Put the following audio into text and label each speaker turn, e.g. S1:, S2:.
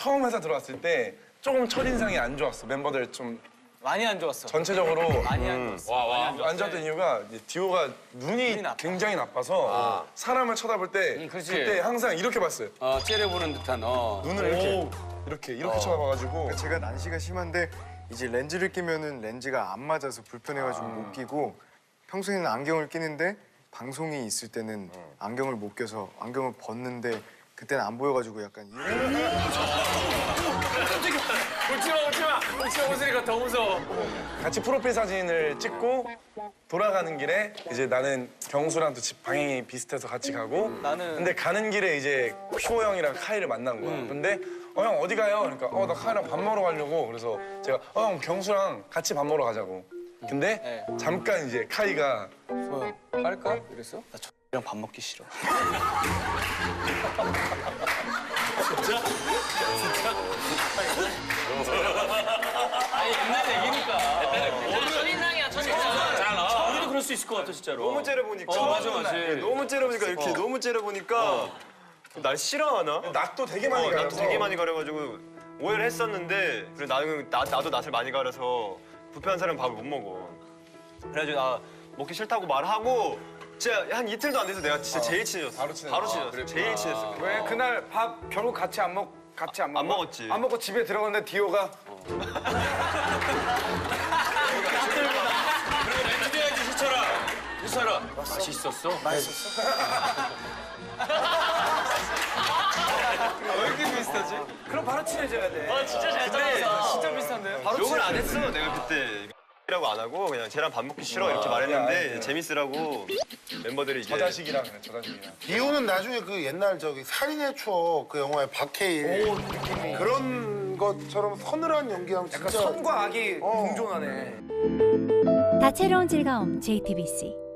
S1: 처음 회사 들어왔을 때 조금 첫인상이 안 좋았어. 멤버들 좀
S2: 많이 안 좋았어.
S1: 전체적으로
S2: 많이 안 좋았어.
S1: 안 좋았던 이유가 이제 디오가 눈이 굉장히 나빠서 사람을 쳐다볼 때
S3: 그렇지.
S1: 그때 항상 이렇게 봤어요.
S3: 째려보는 듯한.
S1: 눈을 이렇게 쳐다봐가지고
S4: 제가 난시가 심한데 이제 렌즈를 끼면은 렌즈가 안 맞아서 불편해가지고 못 끼고 평소에는 안경을 끼는데 방송이 있을 때는 안경을 못 껴서 안경을 벗는데 그때는 안 보여가지고 약간
S3: 웃지마 웃으니까 더 무서워.
S1: 같이 프로필 사진을 찍고 돌아가는 길에 이제 나는 경수랑 또 집 방향이 비슷해서 같이 가고 근데 가는 길에 이제 표 형이랑 카이를 만난 거야. 근데 형 어디 가요? 그러니까 나 카이랑 밥 먹으러 가려고. 그래서 제가 형 경수랑 같이 밥 먹으러 가자고. 근데 잠깐 이제 카이가
S3: 갈까? 이랬어?
S2: 나 X랑 밥 먹기 싫어.
S3: 아니 옛날 얘기니까.
S5: 첫인상이야, 첫인상.
S3: 우리도 그럴 수 있을 것 같아 진짜로.
S4: 너무 째려보니까
S3: 맞아.
S4: 너무 째려보니까 이렇게 너무 째려보니까 날 싫어하나?
S1: 낯도 되게 많이 가려서
S4: 나도 되게 많이 가려가지고 오해를 했었는데 그래 나도 낯을 많이 가려서 부패한 사람은 밥을 못 먹어. 그래가지고 나 먹기 싫다고 말하고 진짜 한 이틀도 안 돼서 내가 진짜 제일 친해졌어. 바로 친해졌어. 제일 친했어.
S6: 왜 그날 밥 결국 같이 안 먹어?
S4: 안 먹었지.
S6: 안 먹고 집에 들어갔는데 디오가
S3: 그리고 렌즈 돼야지 희철아. 맛있었어?
S4: 왜 이렇게 비슷하지?
S6: 그럼 바로 친해져야 돼.
S5: 진짜 잘 따라서.
S6: 진짜 비슷한데?
S4: 바로 욕을 안 했어. 내가 그때 라고 안 하고 그냥 쟤랑 밥 먹기 싫어 이렇게 말했는데 재밌으라고 멤버들이 이제
S1: 저 자식이랑 그래 저 자식이랑.
S7: 디오는 나중에 그 옛날 저기 살인의 추억 그 영화의 박해일 그런 것처럼 서늘한 연기랑 진짜
S6: 선과 악이 공존하네.
S8: 다채로운 즐거움 JTBC